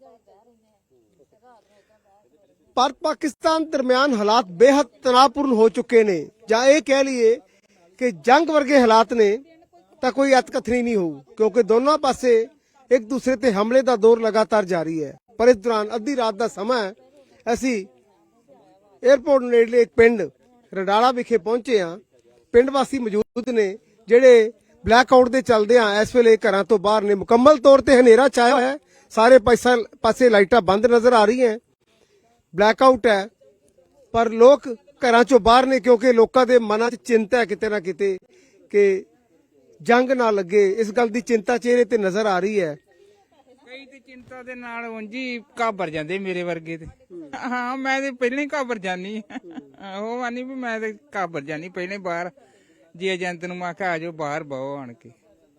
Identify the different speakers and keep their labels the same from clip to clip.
Speaker 1: ਭਾਰਤ ਪਾਕਿਸਤਾਨ ਦਰਮਿਆਨ ਹਾਲਾਤ ਬੇहद ਤਣਾਅਪੂਰਨ ਹੋ ਚੁੱਕੇ ਨੇ, ਜਾਂ ਇਹ ਕਹਿ ਲਈਏ ਕਿ ਜੰਗ ਵਰਗੇ ਹਾਲਾਤ ਨੇ ਤਾਂ ਕੋਈ ਅਤਕਥਨੀ ਨਹੀਂ ਹੋਊ, ਕਿਉਂਕਿ ਦੋਨੋਂ ਪਾਸੇ ਇੱਕ ਦੂਸਰੇ ਤੇ ਹਮਲੇ ਦਾ ਦੌਰ ਲਗਾਤਾਰ ਜਾਰੀ ਹੈ। ਪਰ ਇਸ ਦੌਰਾਨ ਅੱਧੀ ਰਾਤ ਦਾ ਸਮਾਂ ਹੈ, ਅਸੀਂ 에ਅਰਪੋਰਟ ਨੇੜਲੇ ਇੱਕ ਪਿੰਡ ਰਡਾਲਾ ਵਿਖੇ ਪਹੁੰਚੇ ਹਾਂ। ਪਿੰਡ ਵਾਸੀ ਮੌਜੂਦ ਨੇ ਜਿਹੜੇ ਬਲੈਕ ਆਊਟ ਦੇ ਚੱਲਦਿਆਂ ਇਸ ਵੇਲੇ ਘਰਾਂ ਤੋਂ ਬਾਹਰ ਨੇ। ਮੁਕੰਮਲ ਤੌਰ ਤੇ ਹਨੇਰਾ ਛਾਇਆ ਹੋਇਆ ਹੈ, ਸਾਰੇ ਪਾਸੇ ਲਾਈਟਾਂ ਬੰਦ ਨਜ਼ਰ ਆ ਰਹੀਆਂ, ਬਲੈਕ ਆਊਟ ਹੈ, ਪਰ ਲੋਕ ਘਰਾਂ ਚੋਂ ਬਾਹਰ ਨੇ ਕਿਉਂਕਿ ਲੋਕਾਂ ਦੇ ਮਨਾਂ 'ਚ ਚਿੰਤਾ ਹੈ ਕਿਤੇ ਨਾ ਕਿਤੇ ਕਿ ਜੰਗ ਨਾ ਲੱਗੇ। ਇਸ ਗੱਲ ਦੀ ਚਿੰਤਾ ਚਿਹਰੇ ਤੇ ਨਜ਼ਰ ਆ ਰਹੀ ਹੈ।
Speaker 2: ਕਈ ਤੇ ਚਿੰਤਾ ਦੇ ਨਾਲ ਉਂਝੀ ਘਾਬਰ ਜਾਂਦੇ ਮੇਰੇ ਵਰਗੇ ਤੇ। ਹਾਂ ਮੈਂ ਤੇ ਪਹਿਲਾਂ ਹੀ ਘਾਬਰ ਜਾਨੀ, ਉਹ ਆਨੀ ਵੀ ਮੈਂ ਤੇ ਘਾਬਰ ਜਾਨੀ ਪਹਿਲਾਂ ਹੀ ਬਾਹਰ। ਜੀ ਏਜੰਟ ਨੂੰ ਮੈਂ ਕਿਹਾ ਆ ਜਾਓ ਬਾਹਰ ਬਹੁ ਆਣ ਕੇ।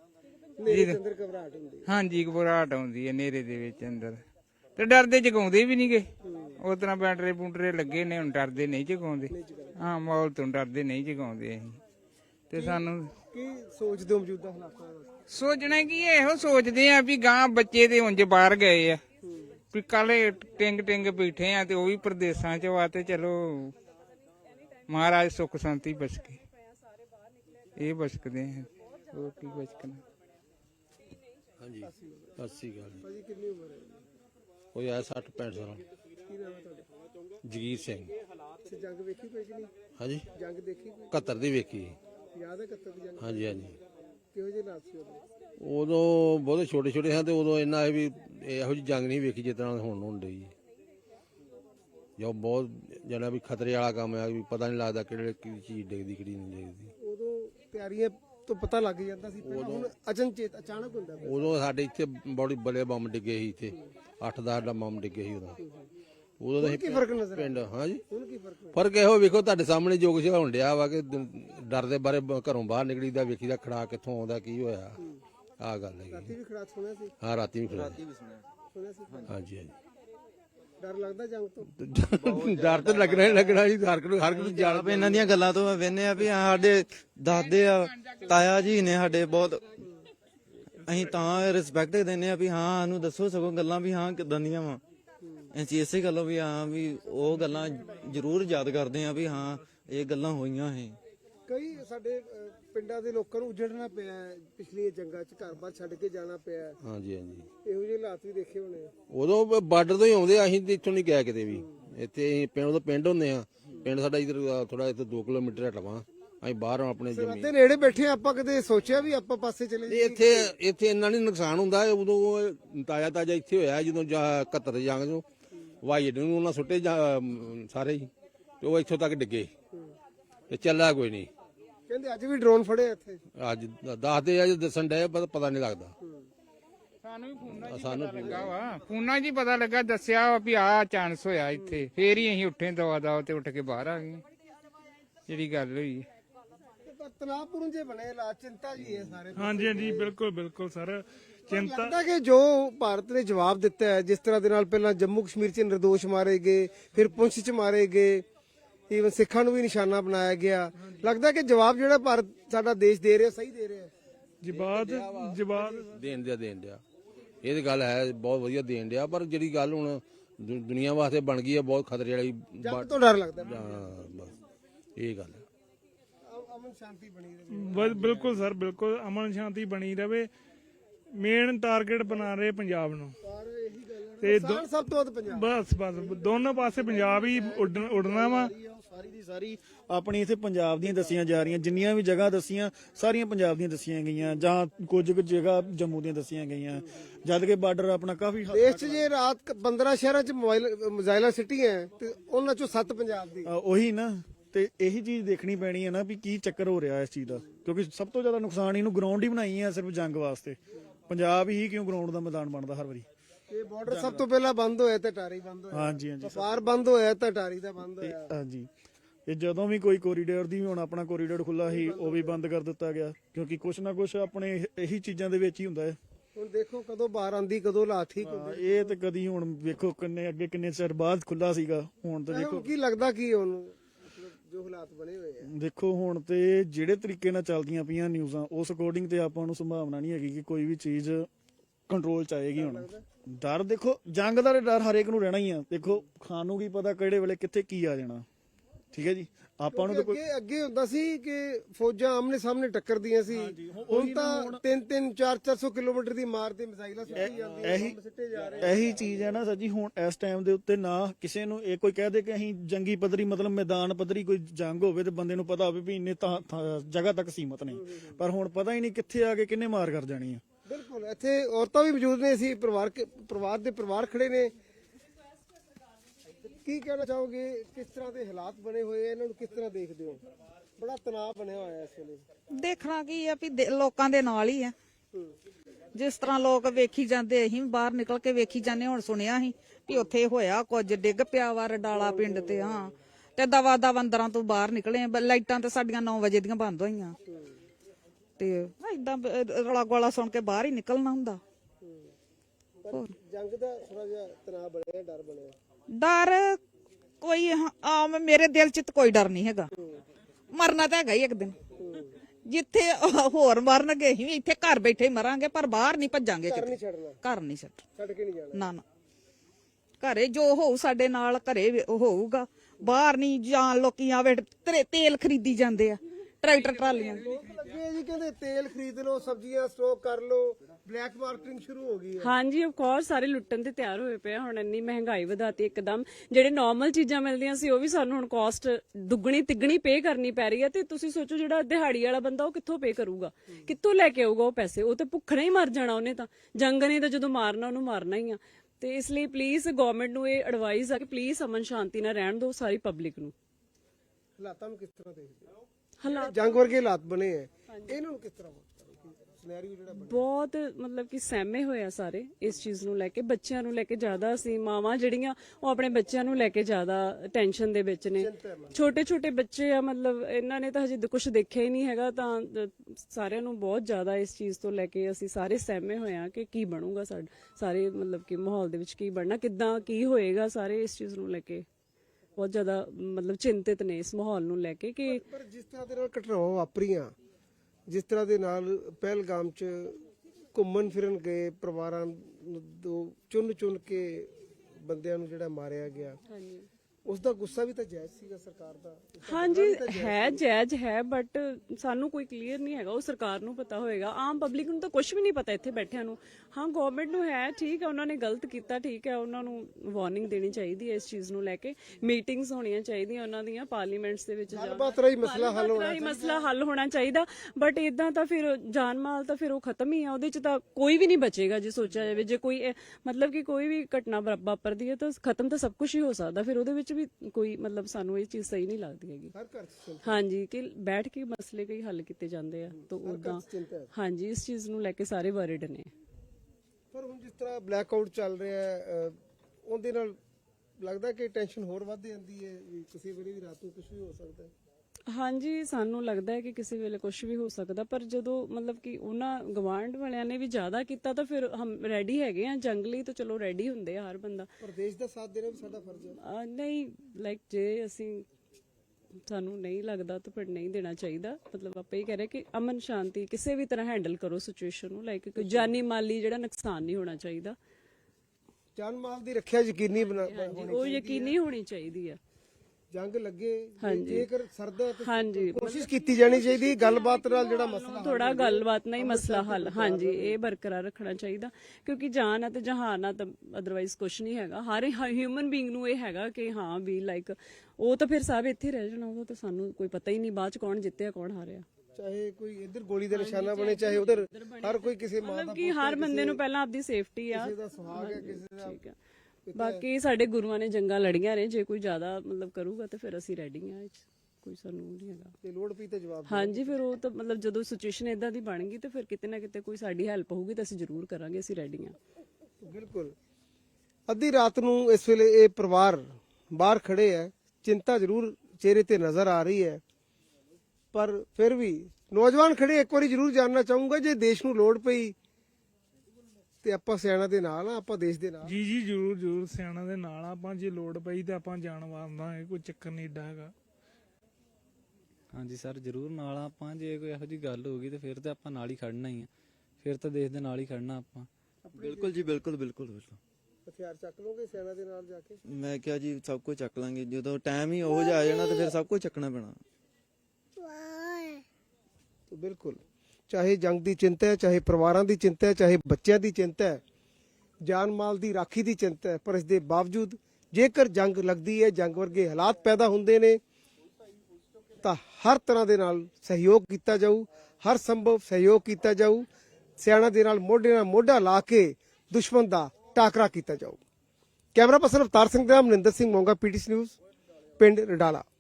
Speaker 2: ਹਾਂਜੀ ਘਬਰਾਹਟ ਆਉਂਦੀ ਹੈ ਨੇਰੇ ਦੇ ਵਿੱਚ ਅੰਦਰ, ਤੇ ਡਰਦੇ ਜਗਾਉਂਦੇ ਵੀ ਨਹੀਂ ਗੇ। ਉਸ ਤਰ੍ਹਾਂ ਬੈਟਰੇ ਬੂਟਰੇ ਲੱਗੇ ਨੇ, ਹੁਣ ਡਰਦੇ ਨਹੀਂ ਜਗਾਉਂਦੇ। ਹਾਂ ਮਾਹੌਲ ਤੋਂ ਡਰਦੇ ਨਹੀਂ ਜਗਾਉਂਦੇ ਅਸੀਂ। ਤੇ ਸਾਨੂੰ
Speaker 1: ਕੀ ਸੋਚਦੇ ਹੋ ਮੌਜੂਦਾ ਹਾਲਾਤਾਂ ਬਾਰੇ?
Speaker 2: ਸੋਚਣਾ ਕੀ ਇਹੋ ਸੋਚਦੇ ਆ ਵੀ ਗਾਂ ਬੱਚੇ ਤੇ ਉਂਝ ਬਾਹਰ ਗਏ ਆ, ਵੀ ਕੱਲ ਟਿੰਗ ਟਿੰਗ ਬੈਠੇ ਆ ਤੇ ਉਹ ਵੀ ਪ੍ਰਦੇਸਾਂ ਚ ਵਾ। ਤੇ ਚਲੋ ਮਹਾਰਾਜ ਸੁੱਖ ਸ਼ਾਂਤੀ ਬਸਕੇ, ਇਹ ਬਸਕਦੇ ਆ, ਹੋਰ ਕੀ ਬਸਕਣਾ।
Speaker 3: ਹਾਂਜੀ ਸਤਿ ਸ਼੍ਰੀ ਅਕਾਲ ਜੀ।
Speaker 1: ਭਾਜੀ ਕਿੰਨੀ ਉਮਰ ਹੈ?
Speaker 3: ਕੋਈ ਆ 60-65 ਸਾਲ।
Speaker 1: ਕੀ ਨਾਮ ਹੈ ਤੁਹਾਡਾ?
Speaker 3: ਜਗੀਰ ਸਿੰਘ।
Speaker 1: ਜੰਗ ਵੇਖੀ ਕੋਈ ਕਿ ਨਹੀਂ?
Speaker 3: ਹਾਂਜੀ
Speaker 1: ਜੰਗ ਦੇਖੀ ਕੋਈ?
Speaker 3: 71 ਦੀ ਵੇਖੀ।
Speaker 1: ਯਾਦ ਹੈ 71 ਦੀ ਜੰਗ?
Speaker 3: ਹਾਂਜੀ ਹਾਂਜੀ।
Speaker 1: ਕਿਹੋ ਜਿਹੇ ਹਾਲਾਤ ਸੀ ਉਦੋਂ?
Speaker 3: ਉਦੋਂ ਬਹੁਤੇ ਛੋਟੇ ਛੋਟੇ ਹਾਂ ਤੇ ਉਦੋਂ ਇੰਨਾ ਵੀ ਇਹੋ ਜਿਹੀ ਜੰਗ ਨਹੀਂ ਵੇਖੀ ਜਿਸ ਤਰ੍ਹਾਂ ਹੁਣ ਹੋਣ ਡਈ। ਜੋ ਬਹੁਤ ਜਿਹੜਾ ਵੀ ਖਤਰੇ ਵਾਲਾ ਕੰਮ ਆ, ਵੀ ਪਤਾ ਨਹੀਂ ਲੱਗਦਾ ਕਿਹੜੇ ਕੀ ਚੀਜ਼ ਡਿੱਗਦੀ ਕਿਹੜੀ ਨਹੀਂ ਡਿੱਗਦੀ।
Speaker 1: ਉਦੋਂ ਤਿਆਰੀਆਂ ਤੋਂ ਪਤਾ ਲੱਗ ਜਾਂਦਾ ਸੀ, ਹੁਣ ਅਚਨਚੇਤ ਅਚਾਨਕ ਹੁੰਦਾ ਪਿਆ।
Speaker 3: ਉਦੋਂ ਸਾਡੇ ਇੱਥੇ ਬੜੀ ਬੜੇ ਬੰਬ ਡਿੱਗੇ ਸੀ, ਇੱਥੇ 8-10 ਦਾ ਬੰਬ ਡਿੱਗੇ ਸੀ ਉਦੋਂ
Speaker 1: ਕੀ ਫਰਕ ਨਜ਼ਰ
Speaker 3: ਪਿੰਡ। ਹਾਂਜੀ
Speaker 1: ਹੁਣ ਕੀ ਫਰਕ?
Speaker 3: ਫਰਕ ਇਹੋ ਵੇਖੋ ਤੁਹਾਡੇ ਸਾਹਮਣੇ ਜੋ ਕੁਛ ਹੋਣ ਡਿਆ ਵਾ ਕਿ ਡਰ ਦੇ ਬਾਰੇ ਘਰੋਂ ਬਾਹਰ ਨਿਕਲੀਦਾ, ਵੇਖੀਦਾ ਖੜਾ ਕਿੱਥੋਂ ਆਉਂਦਾ ਕੀ ਹੋਇਆ। ਆਹ ਗੱਲ ਹੈ।
Speaker 1: ਰਾਤੀ ਵੀ ਖੜਾ ਸੁਣਿਆ ਸੀ?
Speaker 3: ਹਾਂ ਰਾਤੀ ਵੀ ਖੜਾ
Speaker 1: ਸੁਣਿਆ ਸੀ।
Speaker 3: ਹਾਂਜੀ ਹਾਂਜੀ।
Speaker 1: ਡਰ ਲੱਗਦਾ ਜੰਗ ਤੋਂ?
Speaker 3: ਡਰ ਤਾਂ ਲੱਗਣਾ ਹੀ ਲੱਗਣਾ ਜੀ, ਹਰ ਕੋਈ ਜਾਣ
Speaker 4: ਇਹਨਾਂ ਦੀਆਂ ਗੱਲਾਂ ਤੋਂ ਵੇਖਨੇ ਆ ਵੀ ਸਾਡੇ ਦਾਦੇ ਆ ਤਾਇਆ ਜੀ ਨੇ ਸਾਡੇ ਬਹੁਤ, ਅਸੀਂ ਤਾਂ ਰਿਸਪੈਕਟ ਦਿੰਦੇ ਆ ਵੀ ਹਾਂ ਸਾਨੂੰ ਦੱਸੋ ਸਗੋਂ ਗੱਲਾਂ ਵੀ ਹਾਂ ਕਿਦਾਂ ਦੀਆਂ ਵਾ। ਅਸੀਂ ਇਸੇ ਗੱਲੋਂ ਵੀ ਹਾਂ ਵੀ ਉਹ ਗੱਲਾਂ ਜ਼ਰੂਰ ਯਾਦ ਕਰਦੇ ਆ ਵੀ ਹਾਂ ਇਹ ਗੱਲਾਂ ਹੋਈਆਂ ਹੈ।
Speaker 1: ਕਈ ਸਾਡੇ ਪਿੰਡਾਂ ਦੇ ਲੋਕਾਂ ਨੂੰ ਉਜੜਨਾ ਪਿਆ ਪਿਛਲੀਆਂ ਜੰਗਾਂ 'ਚ, ਘਰ-ਬਾਰ ਛੱਡ ਕੇ ਜਾਣਾ ਪਿਆ।
Speaker 3: ਹਾਂਜੀ ਹਾਂਜੀ।
Speaker 1: ਇਹੋ ਜਿਹੇ ਹਾਲਾਤ ਵੀ ਦੇਖੇ ਹੋਣੇ।
Speaker 3: ਉਦੋਂ ਬਾਰਡਰ ਤੋਂ ਹੀ ਆਉਂਦੇ ਆ, ਅਸੀਂ ਇੱਥੋਂ ਨਹੀਂ ਗਿਆ ਕਿਤੇ ਵੀ। ਇੱਥੇ ਅਸੀਂ ਪਿੰਡ ਹੁੰਦੇ ਆ। ਪਿੰਡ ਸਾਡਾ ਇੱਧਰ ਥੋੜਾ ਇੱਥੇ 2 ਕਿਲੋਮੀਟਰ ਹਟਵਾ। ਅਸੀਂ ਬਾਹਰ ਆਪਣੇ
Speaker 1: ਸਰਹੱਦ ਦੇ ਨੇੜੇ ਬੈਠੇ ਆਪਾਂ ਕਦੇ ਸੋਚਿਆ ਵੀ ਆਪਾਂ ਪਾਸੇ ਚਲੇ ਜਾਈਏ?
Speaker 3: ਇੱਥੇ ਇੰਨਾ ਨਹੀਂ ਨੁਕਸਾਨ ਹੁੰਦਾ। ਉਦੋਂ ਤਾਜ਼ਾ ਇੱਥੇ ਹੋਇਆ ਜਦੋਂ 71 ਦੀ ਜੰਗ 'ਚੋਂ ਵਾਈ ਨੂੰ ਉਹਨਾਂ ਸੁੱਟੇ ਸਾਰੇ ਹੀ, ਤੇ ਉਹ ਇੱਥੋਂ ਤੱਕ ਡਿੱਗੇ ਤੇ ਚੱਲਿਆ ਕੋਈ ਨਹੀਂ।
Speaker 1: ਕਹਿੰਦੇ ਅੱਜ ਵੀ ਡਰੋਨ ਫੜੇ ਇੱਥੇ।
Speaker 3: ਅੱਜ ਦੱਸਦੇ ਆ, ਦੱਸਣ ਡਏ ਪਤਾ ਨਹੀਂ ਲੱਗਦਾ।
Speaker 2: ਸਾਨੂੰ ਵੀ ਫੋਨਾਂ 'ਚ ਪਤਾ ਲੱਗਾ ਵਾ, ਫੋਨਾਂ 'ਚ ਹੀ ਪਤਾ ਲੱਗਾ, ਦੱਸਿਆ ਵਾ ਵੀ ਆਹ ਚਾਂਸ ਹੋਇਆ ਇੱਥੇ। ਫੇਰ ਹੀ ਅਸੀਂ ਉੱਠੇ ਦਵਾ ਤੇ ਉੱਠ ਕੇ ਬਾਹਰ ਆ ਗਏ ਜਿਹੜੀ ਗੱਲ ਹੋਈ।
Speaker 1: ਤਣਾਅਪੂਰਨ ਜੇ ਬਣੇ ਹਾਲਾਤ, ਚਿੰਤਾ ਜੀ ਹੈ ਸਾਰੇ।
Speaker 5: ਹਾਂਜੀ ਹਾਂਜੀ ਬਿਲਕੁਲ ਬਿਲਕੁਲ ਸਰ। ਚਿੰਤਾ
Speaker 1: ਲੱਗਦਾ ਕਿ ਜੋ ਭਾਰਤ ਨੇ ਜਵਾਬ ਦਿੱਤਾ ਹੈ, ਜਿਸ ਤਰ੍ਹਾਂ ਦੇ ਨਾਲ ਪਹਿਲਾਂ ਜੰਮੂ ਕਸ਼ਮੀਰ 'ਚ ਨਿਰਦੋਸ਼ ਮਾਰੇ ਗਏ, ਫਿਰ ਪੁੰਛ 'ਚ ਮਾਰੇ ਗਏ, ਈਵਨ ਸਿੱਖਾਂ ਨੂੰ ਵੀ ਨਿਸ਼ਾਨਾ ਬਣਾਇਆ ਗਿਆ, ਲੱਗਦਾ ਕਿ ਜਵਾਬ ਜਿਹੜਾ ਭਾਰਤ ਸਾਡਾ ਦੇਸ਼ ਦੇ ਰਿਹਾ ਸਹੀ ਦੇ ਰਿਹਾ?
Speaker 5: ਜਵਾਬ
Speaker 3: ਦੇਣ ਦਿਆ ਇਹ ਤੇ ਗੱਲ ਹੈ, ਬਹੁਤ ਵਧੀਆ ਦੇਣ ਦਿਆ। ਪਰ ਜਿਹੜੀ ਗੱਲ ਹੁਣ ਦੁਨੀਆ ਵਾਸਤੇ ਬਣ ਗਈ ਹੈ ਬਹੁਤ ਖਤਰੇ ਵਾਲੀ।
Speaker 1: ਜੰਗ ਤੋਂ ਡਰ ਲੱਗਦਾ?
Speaker 3: ਬਸ ਇਹ ਗੱਲ ਹੈ।
Speaker 1: ਅਮਨ ਸ਼ਾਂਤੀ ਬਣੀ ਰਹੇ।
Speaker 5: ਬਿਲਕੁਲ ਸਰ ਬਿਲਕੁਲ ਅਮਨ ਸ਼ਾਂਤੀ ਬਣੀ ਰਵੇ। ਮੇਨ ਟਾਰਗੇਟ ਬਣਾ ਰਹੇ ਪੰਜਾਬ ਨੂੰ ਤੇ
Speaker 1: ਸਭ ਤੋਂ ਵੱਧ ਪੰਜਾਬ।
Speaker 5: ਬਸ ਦੋਨੋਂ ਪਾਸੇ ਪੰਜਾਬ ਹੀ ਉੱਡਣਾ ਵਾ।
Speaker 4: ਸਾਰੀ ਦੀ ਸਾਰੀ ਆਪਣੀ ਇੱਥੇ ਪੰਜਾਬ ਦੀਆਂ ਦੱਸੀਆਂ ਜਾ ਰਹੀਆਂ, ਜਿੰਨੀਆਂ ਵੀ ਜਗ੍ਹਾ ਦੱਸੀਆਂ ਸਾਰੀਆਂ ਪੰਜਾਬ ਦੀਆਂ ਦੱਸੀਆਂ ਗਈਆਂ, ਜਾਂ ਕੁਝ ਕੁ ਜਗ੍ਹਾ ਜੰਮੂ ਦੀਆਂ ਦੱਸੀਆਂ ਗਈਆਂ। ਜਦ ਕਿ ਬਾਰਡਰ ਆਪਣਾ ਕਾਫੀ
Speaker 1: ਦੇਸ਼ 'ਚ ਜੇ ਰਾਤ 15 ਸ਼ਹਿਰਾਂ 'ਚ ਮਿਜ਼ਾਈਲਾਂ ਸਿੱਟੀਆਂ ਤੇ ਉਹਨਾਂ 'ਚੋਂ 7 ਪੰਜਾਬ ਦੀ।
Speaker 4: ਉਹੀ ਨਾ, ਤੇ ਇਹੀ ਚੀਜ਼ ਦੇਖਣੀ ਪੈਣੀ ਹੈ ਨਾ ਵੀ ਕੀ ਚੱਕਰ ਹੋ ਰਿਹਾ ਇਸ ਚੀਜ਼ ਦਾ, ਕਿਉਂਕਿ ਸਭ ਤੋਂ ਜ਼ਿਆਦਾ ਨੁਕਸਾਨ ਇਹਨੂੰ ਗਰਾਊਂਡ ਹੀ ਬਣਾਈ ਹੈ ਸਿਰਫ ਜੰਗ ਵਾਸਤੇ। ਪੰਜਾਬ ਹੀ ਕਿਉਂ ਗਰਾਊਂਡ ਦਾ ਮੈਦਾਨ ਬਣਦਾ ਹਰ ਵਾਰੀ।
Speaker 1: ਇਹ ਬਾਰਡਰ ਸਭ ਤੋਂ ਪਹਿਲਾਂ ਬੰਦ ਹੋਇਆ ਤੇ ਟਾਰੀ ਬੰਦ ਹੋਇਆ।
Speaker 4: ਹਾਂਜੀ ਹਾਂਜੀ
Speaker 1: ਵਪਾਰ ਬੰਦ ਹੋਇਆ ਤਾਂ ਟਾਰੀ ਦਾ ਬੰਦ ਹੋਇਆ।
Speaker 4: ਹਾਂਜੀ। ਇਹ ਜਦੋਂ ਵੀ ਕੋਈ ਕੋਰੀਡੋਰ ਦੀ, ਹੁਣ ਆਪਣਾ ਕੋਰੀਡੋਰ ਖੁੱਲਾ ਸੀ ਉਹ ਵੀ ਬੰਦ ਕਰ ਦਿੱਤਾ ਗਿਆ, ਕਿਉਂਕਿ ਕੁਛ ਨਾ ਕੁਛ ਆਪਣੇ ਇਹੀ ਚੀਜ਼ਾਂ ਦੇ ਵਿੱਚ ਹੀ ਹੁੰਦਾ ਹੈ।
Speaker 1: ਹੁਣ ਦੇਖੋ ਕਦੋਂ ਬਾਹਰ ਆਂਦੀ, ਕਦੋਂ ਹਾਲਾਤ ਠੀਕ ਹੁੰਦੇ।
Speaker 4: ਇਹ ਤੇ ਕਦੀ ਹੁਣ ਵੇਖੋ ਕਿੰਨੇ ਚਿਰ ਬਾਅਦ ਖੁੱਲਾ ਸੀਗਾ, ਹੁਣ ਤਾਂ ਦੇਖੋ
Speaker 1: ਕੀ ਲੱਗਦਾ ਕੀ ਉਹਨੂੰ ਜੋ ਹਾਲਾਤ ਬਣੇ ਹੋਏ ਆ।
Speaker 4: ਦੇਖੋ ਹੁਣ ਤੇ ਜਿਹੜੇ ਤਰੀਕੇ ਨਾਲ ਚੱਲਦੀਆਂ ਪਈਆਂ ਨਿਊਜ਼ਾਂ, ਉਸ ਅਕੋਰਡਿੰਗ ਤੇ ਆਪਾਂ ਨੂੰ ਸੰਭਾਵਨਾ ਨਹੀਂ ਹੈਗੀ ਕਿ ਕੋਈ ਵੀ ਚੀਜ਼
Speaker 6: ਕੰਟਰੋਲ ਚ ਆਏਗੀ ਹੁਣ। ਡਰ ਦੇਖੋ, ਜੰਗ ਦਾ ਡਰ ਹਰੇਕ ਨੂੰ ਰਹਿਣਾ ਹੀ ਆ। ਦੇਖੋ ਖਾਣ ਨੂੰ ਕੀ ਪਤਾ ਕਿਹੜੇ ਵੇਲੇ ਕਿੱਥੇ ਕੀ ਆ ਜਾਣਾ, ਠੀਕ ਹੈ ਜੀ। ਆਪਾਂ ਨੂੰ ਤਾਂ ਕੋਈ
Speaker 1: ਅੱਗੇ ਹੁੰਦਾ ਸੀ ਕਿ ਫੌਜਾਂ ਆਮਨੇ ਸਾਹਮਣੇ ਟੱਕਰਦੀਆਂ ਸੀ, ਹੁਣ ਤਾਂ 3-3 400 ਕਿਲੋਮੀਟਰ ਦੀ ਮਾਰ ਤੇ ਮਿਸਾਈਲਾਂ ਸਿੱਟੀ ਜਾਂਦੀਆਂ, ਸਿੱਟੇ ਜਾ ਰਹੇ।
Speaker 6: ਇਹੀ ਚੀਜ਼ ਹੈ ਨਾ ਸਰ ਜੀ, ਹੁਣ ਇਸ ਟਾਈਮ ਦੇ ਉੱਤੇ ਨਾ ਕਿਸੇ ਨੂੰ ਇਹ ਕੋਈ ਕਹਿ ਦੇ ਕਿ ਅਸੀਂ ਜੰਗੀ ਪੱਧਰੀ ਮਤਲਬ ਮੈਦਾਨ ਪੱਧਰੀ ਕੋਈ ਜੰਗ ਹੋਵੇ ਤੇ ਬੰਦੇ ਨੂੰ ਪਤਾ ਹੋਵੇ ਵੀ ਇੰਨੇ ਤਾਂ ਜਗ੍ਹਾ ਤੱਕ ਸੀਮਤ ਨਹੀਂ, ਪਰ ਹੁਣ ਪਤਾ ਹੀ ਨਹੀਂ ਕਿੱਥੇ ਆ ਕੇ ਕਿੰਨੇ ਮਾਰ ਕਰ ਜਾਣੀ ਆ।
Speaker 1: ਬਿਲਕੁਲ, ਇੱਥੇ ਔਰਤਾਂ ਵੀ ਮੌਜੂਦ ਨੇ, ਅਸੀਂ ਪਰਿਵਾਰ ਖੜੇ ਨੇ। ਕੀ ਕਹਿਣਾ ਚਾਹੋਗੇ, ਕਿਸ ਤਰ੍ਹਾਂ ਦੇ ਹਾਲਾਤ ਬਣੇ ਹੋਏ ਆ, ਇਹਨਾਂ ਨੂੰ ਕਿਸ ਤਰ੍ਹਾਂ ਦੇਖਦੇ ਹੋ? ਬੜਾ ਤਣਾਅ ਬਣਿਆ ਹੋਇਆ ਇਸ ਵੇਲੇ।
Speaker 7: ਦੇਖਣਾ ਕੀ ਆ ਵੀ ਲੋਕਾਂ ਦੇ ਨਾਲ ਹੀ ਆ, ਜਿਸ ਤਰ੍ਹਾਂ ਲੋਕ ਵੇਖੀ ਜਾਂਦੇ ਅਸੀਂ ਵੀ ਬਾਹਰ ਨਿਕਲ ਕੇ ਵੇਖੀ ਜਾਂਦੇ। ਹੁਣ ਸੁਣਿਆ ਸੀ ਵੀ ਉੱਥੇ ਹੋਇਆ ਕੁਝ, ਡਿੱਗ ਪਿਆ ਵਾ ਰਡਾਲਾ ਪਿੰਡ ਤੇ, ਹਾਂ ਤੇ ਦਵਾ ਅੰਦਰਾਂ ਤੋਂ ਬਾਹਰ ਨਿਕਲੇ। ਲਾਈਟਾਂ ਤੇ ਸਾਡੀਆਂ 9 ਵਜੇ ਦੀਆਂ ਬੰਦ ਹੋਈਆਂ ਤੇ ਏਦਾਂ ਰੌਲਾ ਗੋਲਾ ਸੁਣ ਕੇ ਬਾਹਰ ਹੀ ਨਿਕਲਣਾ ਹੁੰਦਾ।
Speaker 1: ਜੰਗ ਦਾ ਥੋੜਾ ਜਿਹਾ ਤਣਾਅ ਬਣਿਆ, ਡਰ ਬਣਿਆ।
Speaker 7: ਡਰ ਕੋਈ ਮੇਰੇ ਦਿਲ 'ਚ ਤਾਂ ਕੋਈ ਡਰ ਨਹੀਂ ਹੈਗਾ। ਮਰਨਾ ਤਾਂ ਹੈਗਾ ਹੀ ਇੱਕ ਦਿਨ, ਜਿੱਥੇ ਹੋਰ ਮਰਨਗੇ ਅਸੀਂ ਵੀ ਇੱਥੇ ਘਰ ਬੈਠੇ ਮਰਾਂਗੇ, ਪਰ ਬਾਹਰ ਨਹੀਂ ਭੱਜਾਂਗੇ ਕਿਤੇ। ਘਰ ਨਹੀਂ ਛੱਡ ਕੇ ਨਹੀਂ ਜਾਣਾ, ਨਾ। ਘਰੇ ਜੋ ਹੋਊ ਸਾਡੇ ਨਾਲ ਘਰੇ ਹੋਊਗਾ, ਬਾਹਰ ਨਹੀਂ ਜਾਣ। ਲੋਕੀ ਆਵੇ ਤੇਲ ਖਰੀਦੀ ਜਾਂਦੇ ਆ, ਟਰੈਕਟਰ ਟਰਾਲੀਆਂ।
Speaker 1: ਲੱਗੇ ਜੀ ਕਹਿੰਦੇ ਤੇਲ ਖਰੀਦ ਲਓ, ਸਬਜ਼ੀਆਂ ਸਟਾਕ ਕਰ ਲਓ, ਬਲੈਕ ਮਾਰਕੀਟਿੰਗ ਸ਼ੁਰੂ ਹੋ ਗਈ ਹੈ।
Speaker 8: ਹਾਂਜੀ, ਆਫ ਕੋਰਸ ਸਾਰੇ ਲੁੱਟਣ ਤੇ ਤਿਆਰ ਹੋਏ ਪਏ ਆ। ਹੁਣ ਇੰਨੀ ਮਹਿੰਗਾਈ ਵਧਾਤੀ ਇੱਕਦਮ, ਜਿਹੜੇ ਨਾਰਮਲ ਚੀਜ਼ਾਂ ਮਿਲਦੀਆਂ ਸੀ ਉਹ ਵੀ ਸਾਨੂੰ ਹੁਣ ਕਾਸਟ ਦੁੱਗਣੀ ਤਿੱਗਣੀ ਪੇ ਕਰਨੀ ਪੈ ਰਹੀ ਹੈ। ਤੇ ਤੁਸੀਂ ਸੋਚੋ ਜਿਹੜਾ ਦਿਹਾੜੀ ਵਾਲਾ ਬੰਦਾ ਉਹ ਕਿੱਥੋਂ ਪੇ ਕਰੂਗਾ, ਕਿੱਥੋਂ ਲੈ ਕੇ ਆਊਗਾ ਉਹ ਪੈਸੇ? ਉਹ ਤੇ ਭੁੱਖਣਾ ਹੀ ਮਰ ਜਾਣਾ ਉਹਨੇ ਤਾਂ। ਜੰਗ ਨੇ ਤਾਂ ਜਦੋਂ ਮਾਰਨਾ ਉਹਨੂੰ ਮਾਰਨਾ ਹੀ ਆ। ਤੇ ਇਸ ਲਈ ਪਲੀਜ਼ ਗਵਰਨਮੈਂਟ ਨੂੰ ਇਹ ਐਡਵਾਈਸ ਆ ਕਿ ਪਲੀਜ਼ ਅਮਨ ਸ਼ਾਂਤੀ ਨਾਲ ਰਹਿਣ ਦਿਓ ਸਾਰੀ ਪਬਲਿਕ ਨੂੰ।
Speaker 1: ਹਾਲਾਤਾਂ ਨੂੰ ਕਿਸ ਤਰ੍ਹਾਂ ਦੇਖਦੇ ਹੋ?
Speaker 8: ਹਾਲਾਤ
Speaker 1: ਜੰਗ ਵਰਗੇ ਹਾਲਾਤ ਬਣੇ ਆ, ਇਹਨਾਂ ਨੂੰ ਕਿਸ ਤਰ੍ਹਾਂ ਸਿਨੈਰੀਓ ਜਿਹੜਾ
Speaker 8: ਬਹੁਤ ਮਤਲਬ ਕਿ ਸਹਿਮੇ ਹੋਏ ਆ ਸਾਰੇ ਇਸ ਚੀਜ਼ ਨੂੰ ਲੈ ਕੇ। ਬੱਚਿਆਂ ਨੂੰ ਲੈ ਕੇ ਜ਼ਿਆਦਾ ਅਸੀਂ ਮਾਵਾਂ ਜਿਹੜੀਆਂ ਉਹ ਆਪਣੇ ਬੱਚਿਆਂ ਨੂੰ ਲੈ ਕੇ ਜ਼ਿਆਦਾ ਟੈਨਸ਼ਨ ਦੇ ਵਿੱਚ ਨੇ। ਛੋਟੇ ਛੋਟੇ ਬੱਚੇ ਆ, ਮਤਲਬ ਇਹਨਾਂ ਨੇ ਤਾਂ ਹਜੇ ਕੁਝ ਦੇਖਿਆ ਹੀ ਨਹੀਂ ਹੈਗਾ। ਤਾਂ ਸਾਰਿਆਂ ਨੂੰ ਬਹੁਤ ਜ਼ਿਆਦਾ ਇਸ ਚੀਜ਼ ਤੋਂ ਲੈ ਕੇ ਅਸੀਂ ਸਾਰੇ ਸਹਿਮੇ ਹੋਏ ਆ ਕਿ ਕੀ ਬਣੂਗਾ ਸਾਰੇ ਮਤਲਬ ਕਿ ਮਾਹੌਲ ਦੇ ਵਿੱਚ ਕੀ ਬਣਨਾ, ਕਿੱਦਾਂ ਕੀ ਹੋਏਗਾ। ਸਾਰੇ ਇਸ ਚੀਜ਼ ਨੂੰ ਲੈ ਕੇ ਬਹੁਤ ਜ਼ਿਆਦਾ ਮਤਲਬ ਚਿੰਤਿਤ ਨੇ ਇਸ ਮਾਹੌਲ ਨੂੰ ਲੈ ਕੇ। ਕਿ
Speaker 1: ਪਰ ਜਿਸ ਤਰ੍ਹਾਂ ਦੇ ਨਾਲ ਘਟਨਾਵਾਂ ਵਾਪਰੀਆਂ, ਜਿਸ ਤਰ੍ਹਾਂ ਦੇ ਨਾਲ ਪਹਿਲਗਾਮ 'ਚ ਘੁੰਮਣ ਫਿਰਨ ਗਏ ਪਰਿਵਾਰਾਂ ਨੂੰ ਚੁਣ ਕੇ ਬੰਦਿਆਂ ਨੂੰ ਜਿਹੜਾ ਮਾਰਿਆ ਗਿਆ, ਉਸ ਦਾ ਗੁੱਸਾ ਵੀ ਤਾਂ ਜਾਇਜ਼ ਸੀਗਾ ਸਰਕਾਰ ਦਾ।
Speaker 8: ਹਾਂਜੀ ਹੈ, ਜਾਇਜ਼ ਹੈ, ਬਟ ਸਾਨੂੰ ਕੋਈ ਕਲੀਅਰ ਨਹੀਂ ਹੈਗਾ। ਉਹ ਸਰਕਾਰ ਨੂੰ ਪਤਾ ਹੋਏਗਾ, ਆਮ ਪਬਲਿਕ ਨੂੰ ਤਾਂ ਕੁਝ ਵੀ ਨਹੀਂ ਪਤਾ ਇੱਥੇ ਬੈਠਿਆਂ ਨੂੰ। ਹਾਂ ਗਵਰਨਮੈਂਟ ਨੂੰ ਹੈ, ਠੀਕ ਹੈ ਉਹਨਾਂ ਨੇ ਗਲਤ ਕੀਤਾ, ਠੀਕ ਹੈ ਉਹਨਾਂ ਨੂੰ ਵਾਰਨਿੰਗ ਦੇਣੀ ਚਾਹੀਦੀ ਹੈ ਇਸ ਚੀਜ਼ ਨੂੰ ਲੈ ਕੇ। ਮੀਟਿੰਗਸ ਹੋਣੀਆਂ ਚਾਹੀਦੀਆਂ ਉਹਨਾਂ ਦੀਆਂ ਪਾਰਲੀਮੈਂਟਸ ਦੇ ਵਿੱਚ, ਮਸਲਾ ਹੱਲ ਹੋਣਾ ਚਾਹੀਦਾ। ਬਟ ਇਦਾਂ ਤਾਂ ਫਿਰ ਜਾਨ ਮਾਲ ਤਾਂ ਫਿਰ ਉਹ ਖਤਮ ਹੀ ਆ, ਉਹਦੇ 'ਚ ਤਾਂ ਕੋਈ ਵੀ ਨਹੀਂ ਬਚੇਗਾ ਜੇ ਸੋਚਿਆ ਜਾਵੇ। ਜੇ ਕੋਈ ਮਤਲਬ ਕਿ ਕੋਈ ਵੀ ਘਟਨਾ ਵਾਪਰਦੀ ਹੈ ਤਾਂ ਖਤਮ ਤਾਂ ਸਭ ਕੁਝ ਹੀ ਹੋ ਸਕਦਾ। ਫਿਰ ਉਹਦੇ ਵਿੱਚ ਵੀ ਕੋਈ ਮਤਲਬ ਸਾਨੂੰ ਇਹ ਚੀਜ਼ ਸਹੀ ਨਹੀਂ ਲੱਗਦੀ ਹੈਗੀ। ਹਾਂਜੀ, ਕਿ ਬੈਠ ਕੇ ਮਸਲੇ ਕਈ ਹੱਲ ਕੀਤੇ ਜਾਂਦੇ ਆ ਤਾਂ ਉਦਾਂ। ਹਾਂਜੀ, ਇਸ ਚੀਜ਼ ਨੂੰ ਲੈ ਕੇ ਸਾਰੇ ਵਰਡ ਨੇ।
Speaker 1: ਪਰ ਹੁਣ ਜਿਸ ਤਰ੍ਹਾਂ ਬਲੈਕ ਆਊਟ ਚੱਲ ਰਿਹਾ ਹੈ, ਉਹਦੇ ਨਾਲ ਲੱਗਦਾ ਕਿ ਟੈਨਸ਼ਨ ਹੋਰ ਵੱਧ ਜਾਂਦੀ ਹੈ, ਕਿਸੇ ਵੇਲੇ ਵੀ ਰਾਤ ਨੂੰ ਕੁਝ ਵੀ ਹੋ ਸਕਦਾ ਹੈ।
Speaker 8: ਹਾਂਜੀ, ਸਾਨੂੰ ਲੱਗਦਾ ਹੈ ਕਿ ਕਿਸੇ ਵੇਲੇ ਕੁਝ ਵੀ ਹੋ ਸਕਦਾ, ਪਰ ਜਦੋਂ ਮਤਲਬ ਕਿ ਉਹਨਾਂ ਗਵਾਂਢ ਵਾਲਿਆਂ ਨੇ ਵੀ ਜ਼ਿਆਦਾ ਕੀਤਾ ਤਾਂ ਫਿਰ ਹਮ ਰੈਡੀ ਹੈਗੇ ਆ ਜੰਗ ਲਈ। ਤਾਂ ਚਲੋ ਰੈਡੀ ਹੁੰਦੇ ਆ ਹਰ ਬੰਦਾ,
Speaker 1: ਪਰ ਦੇਸ਼ ਦਾ ਸਾਥ ਦੇਣਾ ਵੀ ਸਾਡਾ ਫਰਜ਼ ਹੈ।
Speaker 8: ਨਹੀਂ ਲਾਈਕ ਜੇ ਅਸੀਂ ਸਾਨੂੰ ਨਹੀਂ ਲੱਗਦਾ ਤਾਂ ਫਿਰ ਨਹੀਂ ਦੇਣਾ ਚਾਹੀਦਾ। ਮਤਲਬ ਆਪਾਂ ਇਹ ਕਹਿ ਰਹੇ ਕਿ ਅਮਨ ਸ਼ਾਂਤੀ ਕਿਸੇ ਵੀ ਤਰ੍ਹਾਂ ਹੈਂਡਲ ਕਰੋ ਸਿਚੁਏਸ਼ਨ ਨੂੰ, ਲਾਈਕ ਜਾਨੀ ਮਾਲੀ ਜਿਹੜਾ ਨੁਕਸਾਨ ਨਹੀਂ ਹੋਣਾ ਚਾਹੀਦਾ।
Speaker 1: ਜਾਨ ਮਾਲ ਦੀ ਰੱਖਿਆ ਯਕੀਨੀ
Speaker 8: ਉਹ ਯਕੀਨੀ ਹੋਣੀ ਚਾਹੀਦੀ ਆ।
Speaker 1: ਜੰਗ ਲੱਗੇ ਜੇਕਰ ਸਰਦਾ ਤਾਂ
Speaker 8: ਹਾਂਜੀ,
Speaker 1: ਕੋਸ਼ਿਸ਼ ਕੀਤੀ ਜਾਣੀ ਚਾਹੀਦੀ ਗੱਲਬਾਤ ਨਾਲ, ਜਿਹੜਾ ਮਸਲਾ
Speaker 8: ਥੋੜਾ ਗੱਲਬਾਤ ਨਾਲ ਹੀ ਮਸਲਾ ਹੱਲ। ਹਾਂਜੀ, ਇਹ ਬਰਕਰਾਰ ਰੱਖਣਾ ਚਾਹੀਦਾ ਕਿਉਂਕਿ ਜਾਨ ਆ ਤੇ ਜਹਾਨ ਆ ਤਾਂ ਅਦਰਵਾਈਜ਼ ਕੁਝ ਨਹੀਂ ਹੈਗਾ। ਹਰ ਹਿਊਮਨ ਬੀਇੰਗ ਨੂੰ ਇਹ ਹੈਗਾ ਕਿ ਹਾਂ ਵੀ ਲਾਈਕ ਉਹ ਤਾਂ ਫਿਰ ਸਭ ਇੱਥੇ ਰਹਿ ਜਾਣਾ, ਉਹਦਾ ਤਾਂ ਸਾਨੂੰ ਕੋਈ ਪਤਾ ਹੀ ਨਹੀਂ ਬਾਅਦ ਚ ਕੌਣ ਜਿੱਤਿਆ ਕੌਣ ਹਾਰਿਆ।
Speaker 1: ਚਾਹੇ ਕੋਈ ਇੱਧਰ ਗੋਲੀ ਦਾ ਨਿਸ਼ਾਨਾ ਬਣੇ, ਚਾਹੇ ਉਧਰ, ਹਰ ਕੋਈ ਕਿਸੇ ਮਾਂ ਦਾ
Speaker 8: ਕਿ ਹਰ ਬੰਦੇ ਨੂੰ ਪਹਿਲਾਂ ਆਪਦੀ ਸੇਫਟੀ ਆ,
Speaker 1: ਕਿਸੇ ਦਾ ਸੁਹਾਗ ਹੈ, ਕਿਸੇ ਦਾ।
Speaker 8: ਠੀਕ ਆ। ਬਾਕੀ ਸਾਡੇ ਗੁਰੂਆਂ ਨੇ ਜੰਗਾਂ ਲੜੀਆਂ ਨੇ, ਜੇ ਕੋਈ ਜ਼ਿਆਦਾ ਮਤਲਬ ਕਰੂਗਾ ਤਾਂ ਫਿਰ ਅਸੀਂ ਰੈਡੀ ਆ, ਕੋਈ ਸਾਨੂੰ ਨਹੀਂ ਹੈਗਾ।
Speaker 1: ਤੇ ਲੋੜ ਪਈ ਤੇ ਜਵਾਬ।
Speaker 8: ਹਾਂਜੀ, ਫਿਰ ਉਹ ਤਾਂ ਮਤਲਬ ਜਦੋਂ ਸਿਚੁਏਸ਼ਨ ਇਦਾਂ ਦੀ ਬਣ ਗਈ ਤਾਂ ਫਿਰ ਕਿਤੇ ਨਾ ਕਿਤੇ ਕੋਈ ਸਾਡੀ ਹੈਲਪ ਹੋਊਗੀ ਤਾਂ ਅਸੀਂ ਜ਼ਰੂਰ ਕਰਾਂਗੇ, ਅਸੀਂ ਰੈਡੀ ਆ।
Speaker 1: ਬਿਲਕੁਲ। ਅੱਧੀ ਰਾਤ ਨੂੰ ਇਸ ਵੇਲੇ ਇਹ ਪਰਿਵਾਰ ਬਾਹਰ ਖੜੇ ਹੈ, ਚਿੰਤਾ ਜ਼ਰੂਰ ਚਿਹਰੇ ਤੇ ਨਜ਼ਰ ਆ ਰਹੀ ਹੈ, ਪਰ ਫਿਰ ਵੀ ਨੌਜਵਾਨ ਖੜੇ। ਇੱਕ ਵਾਰੀ ਜ਼ਰੂਰ ਜਾਣਨਾ ਚਾਹੂੰਗਾ, ਜੇ ਦੇਸ਼ ਨੂੰ ਲੋੜ ਪਈ ਤੇ ਆਪਾਂ ਸਿਆਣਾ ਦੇ ਨਾਲ ਆ, ਆਪਾਂ ਦੇਸ਼ ਦੇ ਨਾਲ।
Speaker 5: ਜੀ ਜ਼ਰੂਰ ਸਿਆਣਾ ਦੇ ਨਾਲ ਆਪਾਂ। ਜੇ ਲੋੜ ਪਈ ਤੇ ਆਪਾਂ ਜਾਨ ਵਾਰਦਾਂਗੇ, ਕੋਈ ਚੱਕਰ ਨਹੀਂ ਏਡਾ ਹੈਗਾ।
Speaker 9: ਹਾਂਜੀ ਸਰ, ਜ਼ਰੂਰ ਨਾਲ ਆਪਾਂ। ਜੇ ਕੋਈ ਇਹੋ ਜਿਹੀ ਗੱਲ ਹੋ ਗਈ ਤੇ ਫਿਰ ਤਾਂ ਆਪਾਂ ਨਾਲ ਹੀ ਖੜਨਾ ਹੀ ਆ, ਫਿਰ ਤਾਂ ਦੇਸ਼ ਦੇ ਨਾਲ ਹੀ ਖੜਨਾ ਆਪਾਂ।
Speaker 4: ਬਿਲਕੁਲ ਜੀ, ਬਿਲਕੁਲ ਬਿਲਕੁਲ ਬਿਲਕੁਲ।
Speaker 1: ਹਥਿਆਰ ਚੱਕ ਲੋਗੇ ਸੈਨਾ ਦੇ ਨਾਲ ਜਾ ਕੇ?
Speaker 4: ਮੈਂ ਕਿਹਾ ਜੀ ਸਭ ਕੁਝ ਚੱਕ ਲਾਂਗੇ, ਜਦੋਂ ਟਾਈਮ ਹੀ ਉਹੋ ਜਿਹਾ ਆ ਜਾਣਾ ਤੇ ਫਿਰ ਸਭ ਕੁਝ ਚੱਕਣਾ ਪੈਣਾ।
Speaker 1: तो बिल्कुल चाहे जंग की चिंता है, चाहे परिवारों की चिंता है, चाहे बच्चों की चिंता है, जान माल की राखी की चिंता है, पर इसके बावजूद जेकर जंग लगती है, जंग वर्गे हालात पैदा होंदे ने तो हर तरह के नाल सहयोग किया जाऊ, हर संभव सहयोग किया जाऊ, सियाणा दे नाल मोढे नाल मोढा ला के दुश्मन का टाकरा किया जाऊ। कैमरा पर्सन अवतार सिंह नाम मनिंदर सिंह मोंगा, PTC न्यूज़, पिंड रडाला।